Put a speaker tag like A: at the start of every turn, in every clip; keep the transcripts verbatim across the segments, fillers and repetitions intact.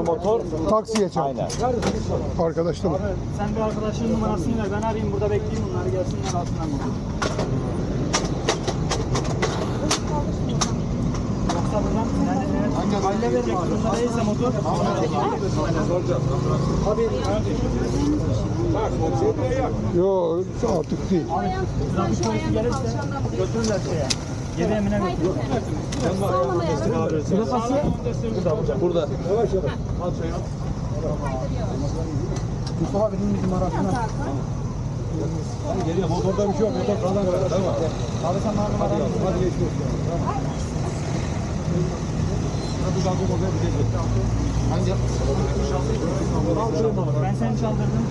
A: motor.
B: Taksiye çarptı.
A: Aynen.
B: Arkadaşlar mı?
C: Sen bir arkadaşının numarasını ver. Ben arayayım burada bekleyeyim bunları gelsinler alsınlar motoru. Yoksa buradan yani evet. Halle verin abi. Bunda değilse motor. Abi.
B: Yok artık değil.
C: Trafik polisi gelirse götürürler şeye. Geri emine götürürler. Plakası burada.
A: Burada.
C: Mustafa benim bizim arasına.
A: Geliyor. Motorda bir şey yok. Motor falan var. Tamam.
C: Abi sen bana numaranı ver.
A: Hadi geçiyor. Hangi?
C: Ben seni çaldırdım.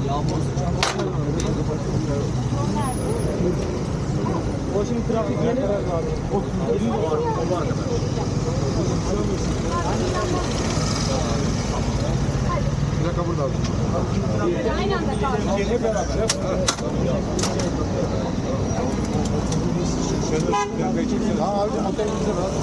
C: O şimdi trafik gelir.
A: Plaka burada abi.
D: Aynı anda kaldı.
A: Ha abi motorumuzda var.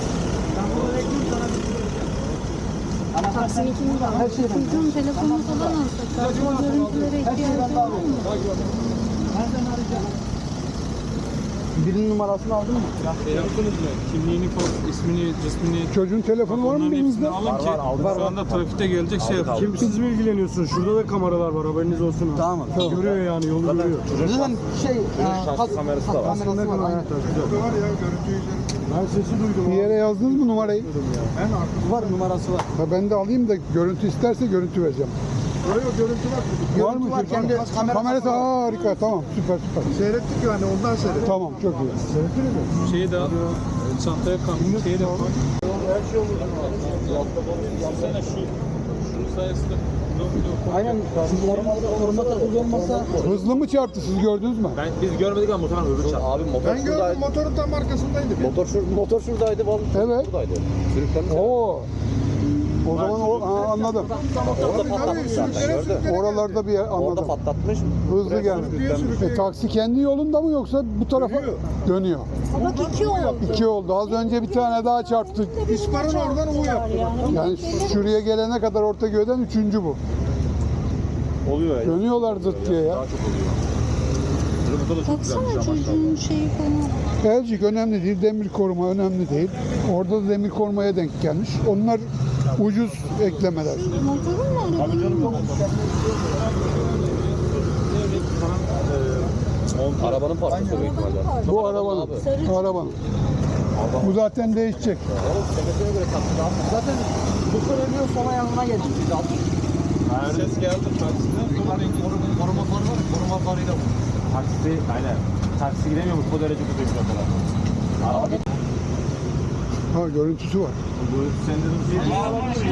D: Taksinin ikimiz var. Her şeyden. Çocuğun telefonunu falan alsak. O görüntülere ihtiyacı var mı?
C: Nereden arayacağım?
E: Birinin numarasını aldın mı?
F: Şey yaptınız mı? Kimliğini, ismini, cismini,
B: Çocuğun telefonu var mı elinizde?
F: alın ki şu anda trafikte gelecek şey yapın.
G: Kim siz mi ilgileniyorsunuz? Şurada da kameralar var, haberiniz olsun. Ha.
E: Tamam.
G: Görüyor yani, yolu görüyor.
E: Zaten şey,
A: şahsi kamerası da var.
E: Kamerası var. Aynen.
G: Ben sesi duydum.
B: Bir yere yazdınız mı numarayı?
E: Var, numarası var.
B: Ha, ben de alayım da görüntü isterse görüntü vereceğim.
G: Oraya görüntü var.
B: Var mı?
E: var, kendi kamerası
B: Kamerası
E: var.
B: harika, tamam, süper süper.
G: Seyrettik yani, ondan seyrettik.
B: Tamam, çok iyi.
F: Şeyi de al, çantaya kam, şeyi de koy. Yapsana şu, şunun sayesinde.
E: Aynen. Koruma, koruma takılı olmasa
B: Hızlı mı çarptı, siz gördünüz mü?
A: Ben biz görmedik ama motorun öbür çarptı. Abi motor
G: Ben gördüm, motorun tam arkasındaydı.
A: Motor şur motor şuradaydı, bal
B: Evet.
A: buradaydı. Sürüklenmiş.
B: Oo. O zaman o, ha, anladım.
A: Orada patlatmış zaten gördün.
B: Oralarda bir yer
A: Orada
B: anladım.
A: patlatmış.
B: Hızlı gelmiş. E, taksi kendi yolunda mı yoksa bu tarafa dönüyor?
D: Bak iki oldu.
B: İki oldu. Az önce bir tane daha çarptı.
G: İspar'ın oradan U yaptı.
B: Yani şuraya gelene kadar Ortaköy'den üçüncü bu.
A: Oluyor ya.
B: Dönüyorlar zıt diye ya.
A: Daha çok oluyor. Motor da çok
D: Baksana
A: güzelmiş ama.
D: çocuğun şeyi falan.
B: Elcik önemli değil, demir koruma önemli değil. Orada da demir korumaya denk gelmiş. Onlar ucuz eklemeler.
D: Motorun mu arabanın?
A: Arabanın parçası büyük ihtimalle.
B: Bu arabanın. Arabanın. Bu zaten değişecek.
E: zaten bu söyleniyor, sonra yanına geldik biz aldık.
F: Ses geldi taksiden.
A: Koruma farı var. Koruma farıyla bu. Taksi, aynen. Taksi gidemiyormuş bu derece kötü bir kadar. Araba
B: Ha, görüntüsü var.
A: bu sende de bir şey.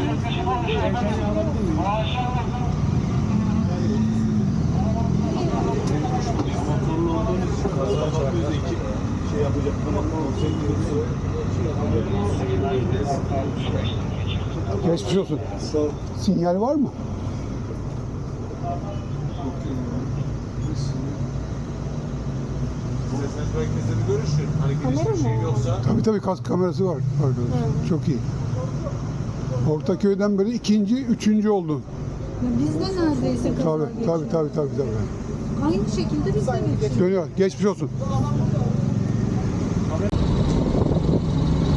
F: Motorlu olduğunuz için kaza bakıyoruz iki şey yapacak.
B: Geçmiş olsun. Sinyal var mı?
F: İsterseniz merkezde bir görüşün. Hani
D: Kamera
F: girişte bir şey
D: mı?
F: yoksa.
B: Tabii tabii, kask kamerası var arkadaşlar. Çok iyi. Ortaköy'den beri ikinci, üçüncü oldu.
D: Ya biz de neredeyse kaza
B: Tabii
D: geçirdik.
B: tabii tabii tabii tabii.
D: Aynı şekilde biz de geçirdik.
B: Dönüyor. Geçmiş olsun.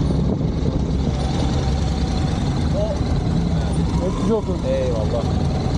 B: Geçmiş olsun.
A: Eyvallah.